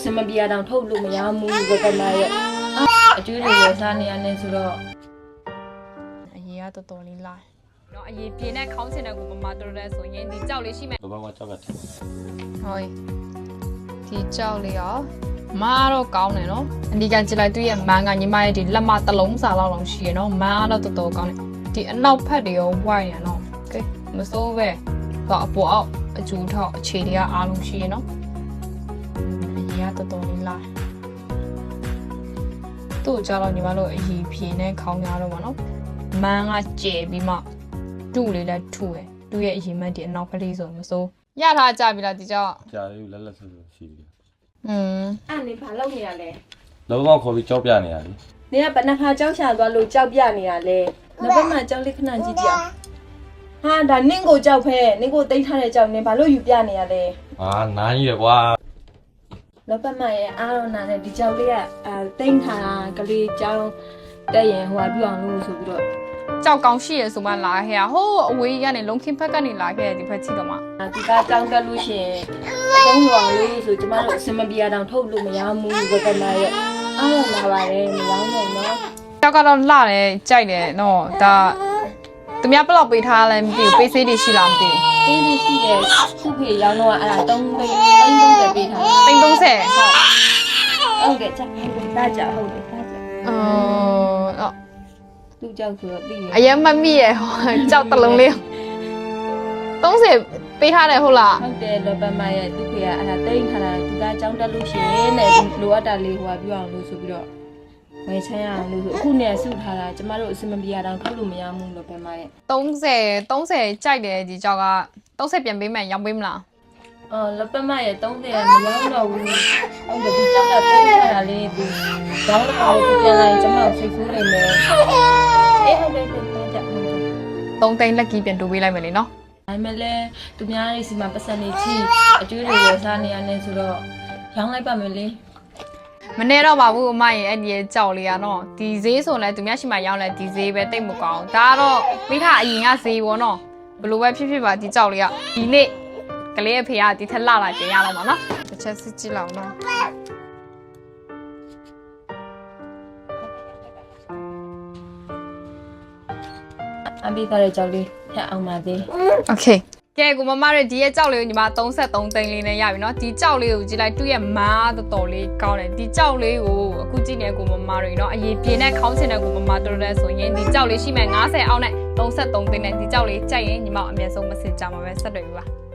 စမပြာတောင်ထုတ်လို့မရဘူးဘယ်ကမှရဲ့အကျွေးတွေရစားနေရတယ်ဆိုတော့အရေးကတော်တော်လေးလာနော်အရေးပြင်းတဲ့ခေါင်းစင်တဲ့ကိုမမတော်တဲ့ဆိုရင်ဒီကြောက်လေးရှိမယ်ဘာမှကြောက်ကတယ်ဟုတ်ဒီကြောက်လေးရောမားတော့ကောင်းတယ်နော်အနီကန်ကြည့်လိုက်သူ့ရဲ့မန်းကညီမရဲ့ဒီလက်မတလုံးစာလောက်ရှိရနော်မားတော့တော်တော်ကောင်းတယ်ဒီအနောက်ဖက်တွေရောဝိုင်းရနော်โอเคမစိုးပဲတော့အပေါ်အောက်အကျူထောက်အခြေတွေကအားလုံးရှိရနော်အရေးကတော်တော်လေးလာသူ့ကြောက်တော့ညီမတို့အရေးဖြေနဲ့ခေါင်းများတော့ပါနော်မန်းကကျဲပြီးမှတူလေးလည်းထူတယ်သူ့ရဲ့အရေးမှတ်ဒီအနောက်ကလေးဆိုမစိုးရထားကြပြီလားဒီကြောက်ကြာလေးလက်ဆက်ရှိပြီအဲ့နေဘာလုပ်နေရလဲလုံးဝခေါ်ပြီးကြောက်ပြနေရတယ်နေကဘယ်နှခါကြောက်ရှာသွားလို့ကြောက်ပြနေရလဲနောက်ဘက်မှာကြောက်လေးခဏကြည့်ကြအောင်ဟာဒါနင့်ကိုကြောက်ဖဲနင့်ကိုတိတ်ထားတဲ့ကြောက်နင်ဘာလို့ယူပြနေရလဲဟာနားကြီးရကွာနောက်ဘက်မှာရဲ့အားရနာနဲ့ဒီကြောက်လေးကတိတ်ထားတာကလေးကြောင်းတက်ရင်ဟိုပြအောင်လို့ဆိုပြီးတော့ကြောက်ကောင်းရှိရဆိုမှလာခဲ့ဟိုးအဝေးကနေလုံးခင်းဖက်ကနေလာခဲ့ဒီဖက်ချီတော့မှဒီကကြောင်းတက်လို့ရှိရင်အဆုံးလွန်လို့ဆိုကျမတို့အစမပြာတောင်ထုတ်လို့မရဘူးဘယ်ကမှရဲ့အားရနာပါတယ်မရောနိုင်တော့ကြောက်ကတော့လှတယ်ကြိုက်တယ်နော်ဒါသူများဘယ်လောက်ပေးထားလဲမသိဘူးပေးဆေးတွေရှိလားမသိဘူးပေးတွေရှိတယ်ခုဖေရောင်းတော့အဲ့ဒါ330ပေးထားတယ်330ဟုတ်ကဲ့ချက်ဟုတ်တယ်ဒါကြဟုတ်တယ်ဒါကြအော်သူ့ကြောက်ဆိုတော့သိရအရင်မမိရဟောကြောက်တလုံးလေး30ပေးထားတယ်ဟုတ်လားဟုတ်တယ်လောပမရဲ့သူ့ဖေကအဲ့ဒါတိတ်ထားတာသူကကြောင်းတက်လို့ရှိရင်တဲ့လိုအပ်တာလေးဟိုပြအောင်လို့ဆိုပြီးတော့ဝယ်ချမ်းရအောင်လို့အခုနဲ့စုထားတာကျမတို့အစမပြာတောင်ထုတ်လို့မရဘူးလောပမရဲ့30ကြိုက်တယ်ဒီကြောက်က30ပြန်ပေးမယ်ရောင်းပေးမလားလောပမရဲ့30ရမရောင်းတော့ဘူးဟုတ်တယ်ဒီကြောက်ကတိတ်ထားတာလေးဒီရောင်းတော့ပြန်လာရင်ကျမတို့စိတ်ဆိုးနေမယ်အေးဟုတ်တယ်ပြန်ကြဟုတ်တယ်3သိန်းလက်ကီးပြန်တိုးပေးလိုက်မယ်လေနော်ဒါပေမဲ့လည်းသူများတွေစီမှာပတ်စံနေချီအကျွေးတွေရစားနေရတယ်ဆိုတော့ရောင်းလိုက်ပါမယ်လေမနေတော့ပါဘူးအမရဲ့အဲ့ဒီကြောက်လေးကတော့ဒီဈေးဆိုလဲသူများရှိမှရောင်းလဲဒီဈေးပဲတိတ်မကောင်းဒါကတော့မိခအရင်ကဈေးပေါ့နော်ဘလို့ပဲဖြစ်ဖြစ်ပါဒီကြောက်လေးကဒီနေ့ကလေးအဖေကဒီထက်လှလာကျင်ရတော့မှာနော်တစ်ချက်စစ်ကြည့်လောက်နော်အမေသားရဲ့ကြောက်လေးထပ်အောင်ပါသေးโอเคကဲကိုမမရဲ့ဒီရဲ့ကြောက်လေးကိုညီမ33သိန်းလေးနဲ့ရပြီเนาะဒီကြောက်လေးကိုကြည့်လိုက်သူ့ရဲ့မားတော်တော်လေးကောင်းတယ်ဒီကြောက်လေးကိုအခုကြည့်နေကိုမမတွေเนาะအရေးပြင်းတဲ့ခေါင်းစင်တဲ့ကိုမမတော်တော်ဆိုရင်ဒီကြောက်လေးရှိမှ90အောက်နဲ့33သိန်းနဲ့ဒီကြောက်လေးကြိုက်ရင်ညီမအမြဲဆုံးမစင်ကြမှာပဲဆက်တွေ့ပြီပါ